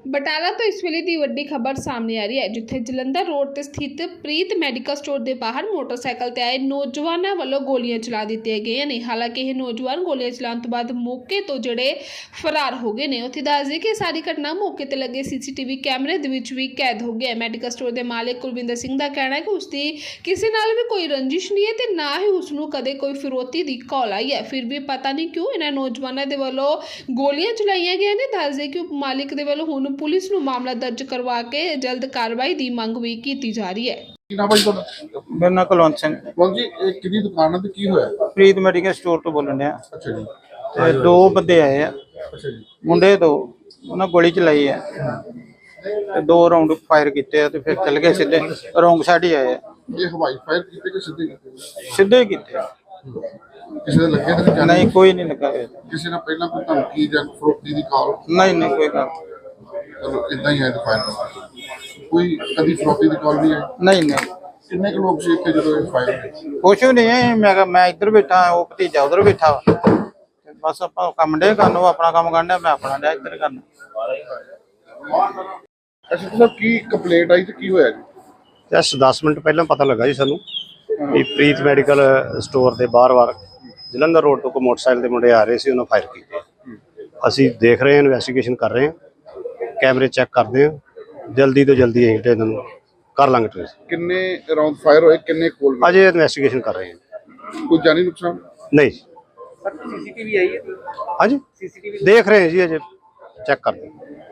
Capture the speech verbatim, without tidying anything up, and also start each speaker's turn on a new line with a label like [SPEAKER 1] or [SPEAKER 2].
[SPEAKER 1] ਬਟਾਲਾ ਤੋਂ ਇਸ ਵੇਲੇ ਦੀ ਵੱਡੀ ਖਬਰ ਸਾਹਮਣੇ ਆ ਰਹੀ ਹੈ, ਜਿੱਥੇ ਜਲੰਧਰ ਰੋਡ ਤੇ ਸਥਿਤ ਪ੍ਰੀਤ ਮੈਡੀਕਲ ਸਟੋਰ ਦੇ ਬਾਹਰ ਮੋਟਰਸਾਈਕਲ ਤੇ ਆਏ ਨੌਜਵਾਨਾਂ ਵੱਲੋਂ ਗੋਲੀਆਂ ਚਲਾ ਦਿੱਤੀਆਂ ਗਈਆਂ ਨੇ। ਹਾਲਾਂਕਿ ਇਹ ਨੌਜਵਾਨ ਗੋਲੀਆਂ ਚਲਾਉਣ ਤੋਂ ਬਾਅਦ ਮੌਕੇ ਤੋਂ ਜਿਹੜੇ ਫਰਾਰ ਹੋ ਗਏ ਨੇ। ਉੱਥੇ ਦੱਸ ਦਈਏ ਕਿ ਸਾਰੀ ਘਟਨਾ ਮੌਕੇ ਤੇ ਲੱਗੇ ਸੀਸੀਟੀਵੀ ਕੈਮਰੇ ਦੇ ਵਿੱਚ ਵੀ ਕੈਦ ਹੋ ਗਿਆ ਹੈ। ਮੈਡੀਕਲ ਸਟੋਰ ਦੇ ਮਾਲਕ ਕੁਲਵਿੰਦਰ ਸਿੰਘ ਦਾ ਕਹਿਣਾ ਹੈ ਕਿ ਉਸਦੀ ਕਿਸੇ ਨਾਲ ਵੀ ਕੋਈ ਰੰਜਿਸ਼ ਨਹੀਂ ਹੈ ਤੇ ਨਾ ਹੀ ਉਸ ਨੂੰ ਕਦੇ ਕੋਈ ਫਿਰੌਤੀ ਦੀ ਕਾਲ ਆਈ ਹੈ। ਫਿਰ ਵੀ ਪਤਾ ਨਹੀਂ ਕਿਉਂ ਇਹਨਾਂ ਨੌਜਵਾਨਾਂ ਦੇ ਵੱਲੋਂ ਗੋਲੀਆਂ ਚਲਾਈਆਂ ਗਈਆਂ ਨੇ। ਦੱਸ ਦਈਏ ਕਿ ਉਪ ਮਾਲਿਕ ਦੇ ਵੱਲੋਂ ਹੁਣ ਪੁਲਿਸ ਨੂੰ ਮਾਮਲਾ ਦਰਜ ਕਰਵਾ ਕੇ ਜਲਦ ਕਾਰਵਾਈ ਦੀ ਮੰਗ ਵੀ ਕੀਤੀ ਜਾ ਰਹੀ ਹੈ।
[SPEAKER 2] ਕੀ ਨਾਮ ਹੈ ਜੀ ਤੁਹਾਡਾ?
[SPEAKER 3] ਮੇਰਾ ਨਾਂ ਕੁਲਵੰਤ ਸਿੰਘ।
[SPEAKER 2] ਬੋਲ ਜੀ, ਇਹ ਕਿਹਦੀ ਦੁਕਾਨ ਹੈ ਤੇ ਕੀ ਹੋਇਆ?
[SPEAKER 3] ਪ੍ਰੀਤ ਮੈਡੀਕਲ ਸਟੋਰ ਤੋਂ ਬੋਲਣ ਡਿਆ।
[SPEAKER 2] ਅੱਛਾ ਜੀ।
[SPEAKER 3] ਤੇ ਦੋ ਬੰਦੇ ਆਏ ਆ,
[SPEAKER 2] ਅੱਛਾ ਜੀ।
[SPEAKER 3] ਮੁੰਡੇ ਦੋ, ਉਹਨਾਂ ਗੋਲੀ ਚਲਾਈ ਆ ਤੇ ਦੋ ਰਾਉਂਡ ਫਾਇਰ ਕੀਤੇ ਆ ਤੇ ਫਿਰ ਚੱਲ ਗਏ ਸਿੱਧੇ ਰੋਂਗ ਸਾਈਡ ਹੀ ਆਏ ਆ।
[SPEAKER 2] ਇਹ ਹਵਾਈ ਫਾਇਰ ਕੀਤੇ ਕਿ ਸਿੱਧੇ ਕੀਤੇ?
[SPEAKER 3] ਸਿੱਧੇ ਹੀ ਕੀਤੇ ਆ।
[SPEAKER 2] ਕਿਸੇ ਦੇ ਲੱਗੇ ਤਾਂ ਨਹੀਂ ਜਾਣੇ?
[SPEAKER 3] ਨਹੀਂ, ਕੋਈ ਨਹੀਂ ਲੱਗਾ ਹੋਇਆ।
[SPEAKER 2] ਕਿਸੇ ਨਾਲ ਪਹਿਲਾਂ ਕੋਈ ਧਮਕੀ ਜਾਂ ਫਰੋਖਤੀ ਦੀ ਕਾਲ?
[SPEAKER 3] ਨਹੀਂ ਨਹੀਂ, ਕੋਈ ਗੱਲ
[SPEAKER 2] ਚਲੋ ਇਦਾਂ ਹੀ ਹੈ ਤੇ ਫਾਇਰ। ਕੋਈ ਕਦੀ ਫਰੋਖਤੀ ਦੀ ਕਾਲ ਨਹੀਂ ਹੈ?
[SPEAKER 3] ਨਹੀਂ ਨਹੀਂ,
[SPEAKER 2] ਕਿੰਨੇ ਕੁ ਲੋਕ ਸੀ ਇੱਥੇ ਜਦੋਂ ਇਹ ਫਾਇਰ ਹੋਇਆ?
[SPEAKER 3] ਕੁਛ ਵੀ ਨਹੀਂ ਹੈ। ਮੈਂ ਕਿਹਾ ਮੈਂ ਇੱਧਰ ਬੈਠਾ, ਉਹ ਭਤੀਜਾ ਉਧਰ ਬੈਠਾ ਵਾ। ਤੇ ਬਸ ਆਪਾਂ ਕੰਮ ਡੇ ਕਰਨ, ਉਹ ਆਪਣਾ ਕੰਮ ਕਰਨ ਡਿਆ, ਮੈਂ ਆਪਣਾ ਡਿਆ ਇੱਧਰ ਕਰਨਾ।
[SPEAKER 2] ਅੱਛਾ ਸਰ, ਕੀ ਕੰਪਲੇਂਟ ਆਈ ਤੇ ਕੀ ਹੋਇਆ ਜੀ?
[SPEAKER 4] ਜਸਟ ਦਸ ਮਿੰਟ ਪਹਿਲਾਂ ਪਤਾ ਲੱਗਾ ਜੀ ਸਾਨੂੰ ਵੀ ਪ੍ਰੀਤ ਮੈਡੀਕਲ ਸਟੋਰ ਦੇ ਬਾਹਰ-ਬਾਹਰ ਜਲੰਧਰ ਰੋਡ ਤੋਂ ਕੋਈ ਮੋਟਰਸਾਈਕਲ ਦੇ ਮੁੰਡੇ ਆ ਰਹੇ ਸੀ, ਉਹਨਾਂ ਫਾਇਰ ਕੀਤੇ। ਅਸੀਂ ਦੇਖ ਰਹੇ ਹਾਂ, ਇਨਵੈਸਟੀਗੇਸ਼ਨ ਕਰ ਰਹੇ ਹਾਂ, ਕੈਮਰੇ ਚੈੱਕ ਕਰਦੇ ਹਾਂ, ਜਲਦੀ ਤੋਂ ਜਲਦੀ ਅਸੀਂ ਇਹਨਾਂ ਨੂੰ ਕਰ ਲਾਂਗੇ ਟ੍ਰੇਸ।
[SPEAKER 2] ਕਿੰਨੇ ਰਾਉਂਡ ਫਾਇਰ ਹੋਏ, ਕਿੰਨੇ ਕੋਲ?
[SPEAKER 4] ਅਜੇ ਇਨਵੈਸਟੀਗੇਸ਼ਨ ਕਰ ਰਹੇ ਹਾਂ।
[SPEAKER 2] ਕੋਈ ਜਾਨੀ ਨੁਕਸਾਨ?
[SPEAKER 4] ਨਹੀਂ।
[SPEAKER 5] ਸੀਸੀਟੀਵੀ ਆਈ ਹੈ?
[SPEAKER 4] ਹਾਂਜੀ, ਦੇਖ ਰਹੇ ਹਾਂ ਜੀ, ਅਜੇ ਚੈੱਕ ਕਰਦੇ ਹਾਂ।